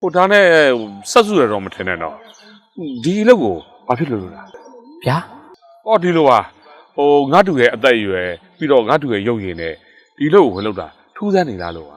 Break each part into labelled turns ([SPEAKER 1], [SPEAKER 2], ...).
[SPEAKER 1] ဟိုဒါနဲ့ဆက်စုရတော့မထင်နဲ့တော့ဒီအလုပ်ကိုဘာဖြစ်လို့လား
[SPEAKER 2] ဗျာ
[SPEAKER 1] ဟောဒီလိုပါဟိုငါတူရဲ့အသက်အရွယ်ပြီးတော့ငါတူရဲ့ရုပ်ရည်နဲ့ဒီအလုပ်ကိုဝင်လုပ်တာထူးဆန်းနေလားလို့ပါ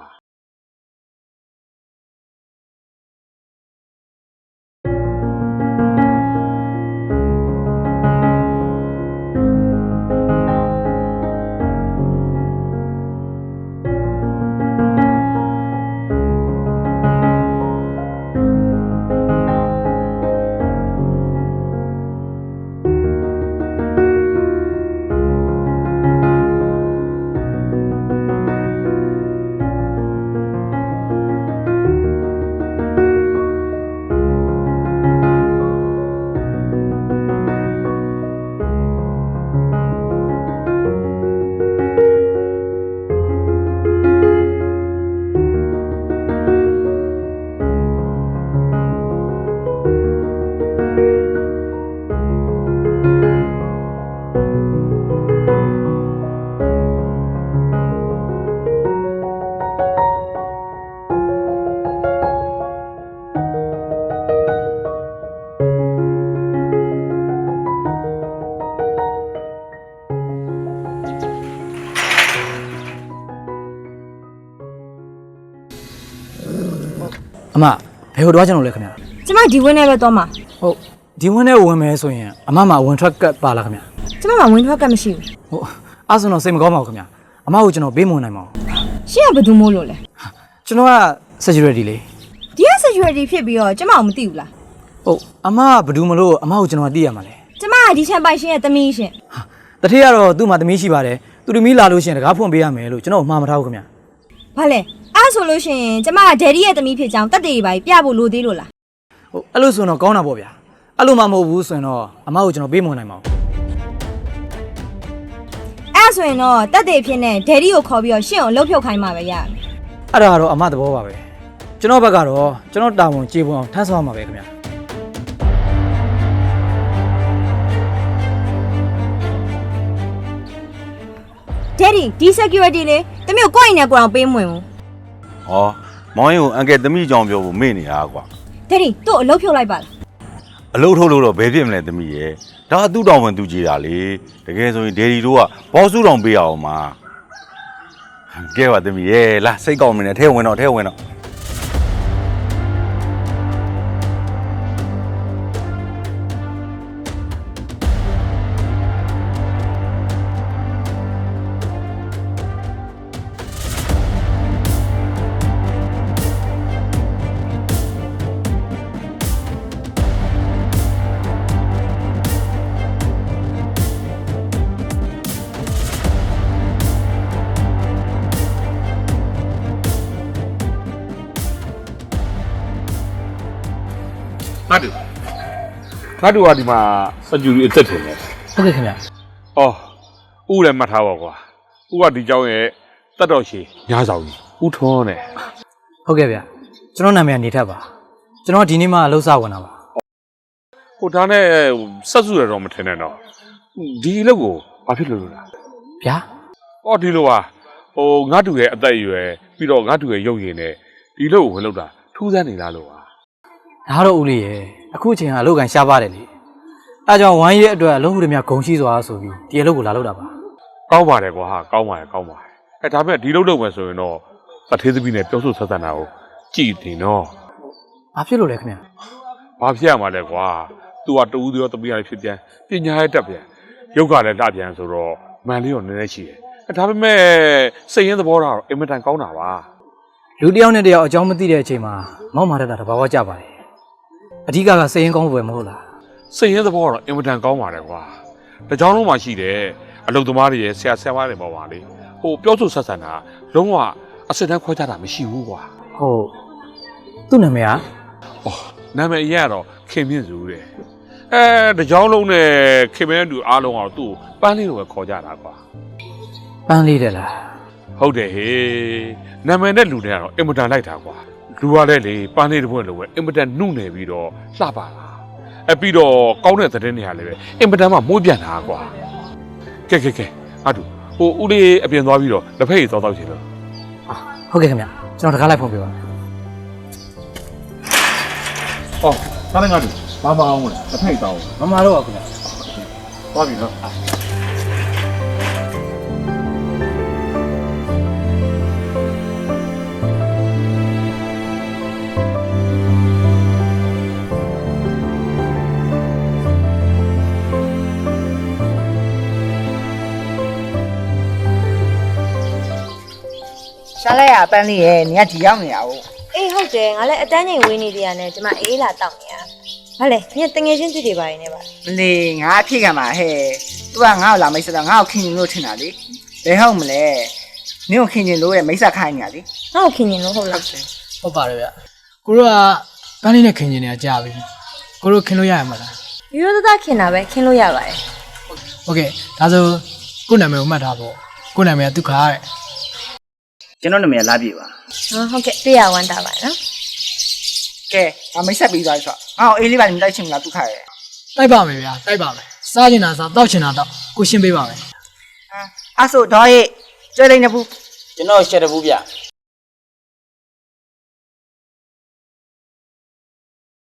[SPEAKER 2] အမဘယ်ဟိုတော့ကျွန်တော်လဲခင်ဗျာ
[SPEAKER 3] ကျမဒီဝင်းနဲ့ပဲသွားမှာ
[SPEAKER 2] ဟုတ်ဒီဝင်းနဲ့ဝင်မယ်ဆိုရင်အမမှာဝင်ထွက်ကတ်ပါလားခင်ဗျာ
[SPEAKER 3] ကျမမှာဝင်ထွက်ကတ်မရှိဘူး
[SPEAKER 2] ဟုတ်အဲ့ဆိုတော့စိတ်မကောင်းပါဘူးခင်ဗျာအမကိုကျွန်တော်ပေးမဝင်နိုင်ပါဘူး
[SPEAKER 3] ရှင့်ကဘယ်သူမို့လို့လဲ
[SPEAKER 2] ကျွန်တော်က security လေ
[SPEAKER 3] ဒီက security ဖြစ်ပြီးတော့ကျမအောင်မသိဘူးလား
[SPEAKER 2] ဟုတ်အမကဘယ်သူမလို့အမကိုကျွန်တော်သိရမှာလဲ
[SPEAKER 3] ကျမကဒီချန်ပိုင်ရှင်ရဲ့သမီးရှင်
[SPEAKER 2] တတိယကတော့သူ့မှာသမီးရှိပါတယ်သူသမီးလာလို့ရှိရင်တကားဖွင့်ပေးရမယ်လို့ကျွန်တော်မှားမထားဘူးခင်ဗျာ
[SPEAKER 3] ဘာလဲအဲ့ဆိုလို့ရှိရင်ကျမကဒယ်ဒီရဲ့သမီးဖြစ်ကြောင်းတက်တေးပါပြဖို့လိုသေးလို့လား
[SPEAKER 2] ဟုတ်အဲ့လိုဆိုတော့ကောင်းတာပေါ့ဗျာအဲ့လိုမှမဟုတ်ဘူးဆိုရင်တော့အမကိုကျွန်တော်ပေးမဝင်နိုင်ပါဘူး
[SPEAKER 3] အဲ့ဆိုရင်တော့တက်တေးဖြစ်နေဒယ်ဒီကိုခေါ်ပြီးတော့ရှင့်ကိုလှုပ်ဖြုတ်ခိုင်းမှာပဲရတယ်
[SPEAKER 2] အဲ့ဒါကတော့အမသဘောပါပဲကျွန်တော်ဘက်ကတော့ကျွန်တော်တာဝန်ကျေပွန်အောင်ထမ်းဆောင်မှာပဲခင်ဗျာ
[SPEAKER 3] ဒယ်ဒီဒီ security လေတမျိုးကိုယ့်အိမ်နဲ့ကိုယ်အောင်ပေးမဝင်ဘူး
[SPEAKER 4] ဟောမောင်ရင်ကိုအန်ကယ်သမီးကြောင်ပြောဖို့မေ့နေတာကွာ
[SPEAKER 3] ဒယ်ဒီသူ့အလုပ်ဖြုတ်လိုက်ပါလား
[SPEAKER 4] အလုပ်ထုတ်လို့တော့ဘယ်ဖြစ်မလဲသမီးရဲ့ဒါကသူ့တောင်ဝင်သူကြီးတာလေတကယ်ဆိုရင်ဒေဒီတို့ကဘောစုတောင်ပေးရအောင်မှာကဲပါသမီးရဲ့လာစိတ်ကောင်းမနေထဲဝင်တော့
[SPEAKER 1] ငါတူကဒီမှာစက်ကျူရီအသက်ထင်တယ်
[SPEAKER 2] ဟုတ်ကဲ့ခင်ဗျာ
[SPEAKER 1] အော်ဦးလည်းမှတ်ထားပါကွာဦးကဒီเจ้าရဲ့တက်တော်ရှည်ညားဆောင်ကြီးဦးထွန်းနဲ့
[SPEAKER 2] ဟုတ်ကဲ့ဗျာကျွန်တော်နာမည်ကနေထပ်ပါကျွန်တော်ဒီနေ့မှအလုပ်စဝင်တာပါ
[SPEAKER 1] ဟိုဒါနဲ့ဆက်စုရတော့မထင်နဲ့တော့ဒီအလုပ်ကိုဘာဖြစ်လို့လား
[SPEAKER 2] ဗျာ
[SPEAKER 1] အော်ဒီလိုပါဟိုငါတူရဲ့အသက်အရွယ်ပြီးတော့ငါတူရဲ့ရုပ်ရည်နဲ့ဒီအလုပ်ကိုဝင်လုပ်တာထူးဆန်းနေလားလို့ပါ
[SPEAKER 2] ဒါတော့ဦးလေးရဲ့အခုအချိန်ကအလုပ်ကန်ရှားပါတယ်လေအဲကြောင့်ဝိုင်းရဲ့အတွက်အလုပ်ဟုတည်းများဂုံရှိစွာဆိုပြီးဒီအလုပ်ကိုလာလုပ်တာပါ
[SPEAKER 1] ကောင်းပါတယ်ကွာဟာကောင်းပါတယ်အဲဒါပေမဲ့ဒီလုပ်မယ်ဆိုရင်တော့အသေးသမီးနဲ့ပြောဆိုဆက်ဆံတာကိုကြည်တင်တော့
[SPEAKER 2] ဘာဖြစ်လို့လဲခင်ဗျာ
[SPEAKER 1] ဘာဖြစ်ရမှာလဲကွာသူကတူဦးသေးရောသမီးရဖြစ်ပြန်ပညာရဲ့တက်ပြန်ရုပ်ကလည်းလှပြန်ဆိုတော့မန်လေးရောနည်းနည်းရှိတယ်ဒါပေမဲ့စိတ်ရင်းသဘောထားတော့အင်မတန်ကောင်းတာပါ
[SPEAKER 2] လူတစ်ယောက်နဲ့တစ်ယောက်အကြောင်းမသိတဲ့အချိန်မှာမောက်မာတတ်တာတဘာဝကြပါတယ်အဓိကစိတ်ရင်းကောင်းဖို့ပဲမဟုတ်လား
[SPEAKER 1] စိတ်ရင်းသဘောကတော့အင်မတန်ကောင်းပါတယ်ကွာတကြောင်လုံးမှာရှိတယ်အလုပ်သမားတွေရဲ့ဆရာမတွေပေါ့ပါလေဟိုပြောဆိုဆက်ဆံတာလုံးဝအစစ်တမ်းခွဲခြားတာမရှိဘူးကွာ
[SPEAKER 2] ဟုတ်သူ့နာမည်က
[SPEAKER 1] အော်နာမည်အရင်ကတော့ခင်မြင့်စုတဲ့တကြောင်လုံးနဲ့ခင်မြင့်တူအားလုံးကတော့သူ့ပန်းလေးလိုပဲခေါ်ကြတာကွာ
[SPEAKER 2] ပန်းလေးတယ်လား
[SPEAKER 1] ဟုတ်တယ်ဟေးနာမည်နဲ့လူတွေကတော့အင်မတန်လိုက်တာကွာလူကလည်းလေပန်းလေးတစ်ပွင့်လိုပဲအင်မတန်နှုတ်နေပြီးတော့လှပါလားပြီးတော့ကောင်းတဲ့သတင်းတွေဟာလည်းပဲအင်မတန်မှမွေးပြန်တာကွာကဲအားတူဟိုဦးလေးအပြင်သွားပြီးတော့လက်ဖက်ရည်သွားတော့ချင်လို့
[SPEAKER 2] ဟုတ်ကဲ့ခင်ဗျကျွန်တော်တကားလိုက်ဖုန်းပြပါ
[SPEAKER 1] ဟောသားလည်းငါတို့ဘာမအောင်လဲတစ်ဖိတ်တောင်း
[SPEAKER 2] မမတော့ပါခင်ဗျာ
[SPEAKER 1] သွားပြီနော်
[SPEAKER 5] ရှားလိုက်ရပန်းလေးရဲ့နေကဒီရောက်နေရအောင်
[SPEAKER 3] အေးဟုတ်တယ်ငါလည်းအတန်းချိန်ဝေးနေသေးရတယ်ကျမအေးလာတောက်နေရဘာလဲညတငယ်ချင်းတွေ့တွေပါနေပါ
[SPEAKER 5] မလေးငါအဖြစ်ခံပါဟဲ့သူကငါ့ကိုလာမိတ်ဆက်တော့ငါ့ကိုခင်ရင်လို့ထင်တာလေဘယ်ဟုတ်မလဲနင့်ကိုခင်ရင်လို့ရဲ့မိတ်ဆက်ခိုင်းနေရလေ
[SPEAKER 3] ငါ့ကိုခင်ရင်လို့ဟုတ်လား
[SPEAKER 2] ဟုတ်ပါတယ်ဗျကိုတို့ကပန်းလေးနဲ့ခင်ကျင်နေတာကြာပြီကိုတို့ခင်လို့ရရမှာလား
[SPEAKER 3] ရိုးရိုးသားသားခင်တာပဲခင်လို့ရပါတယ်
[SPEAKER 2] ဟုတ်ကဲ့ဒါဆိုကို့နာမည်ကိုမှတ်ထားဖို့ကို့နာမည်ကဒုက္ခတဲ့
[SPEAKER 5] ကျွန်တော်နာမည်လာပြည့်ပါ
[SPEAKER 3] ဟုတ်ကဲ့တွေ့ရဝမ်းတာပါနော်
[SPEAKER 5] ကဲငါမိတ်ဆက်ပြီးသွားပြီဆိုတော့ငါ့ကိုအေးလေးပါနေတိုက်ချင်မလားဒုက္ခရဲ့
[SPEAKER 2] တိုက်ပါမယ်ဗျာတိုက်ပါမယ်စားချင်တာစားတောက်ချင်တာတောက်ကိုရှင်းပေးပါမယ်
[SPEAKER 5] အဲ့ဆိုတော့ရဲ့ကျွဲလိုက်နေဘူး
[SPEAKER 6] ကျွန်တော်ရှက်တဘူးဗျ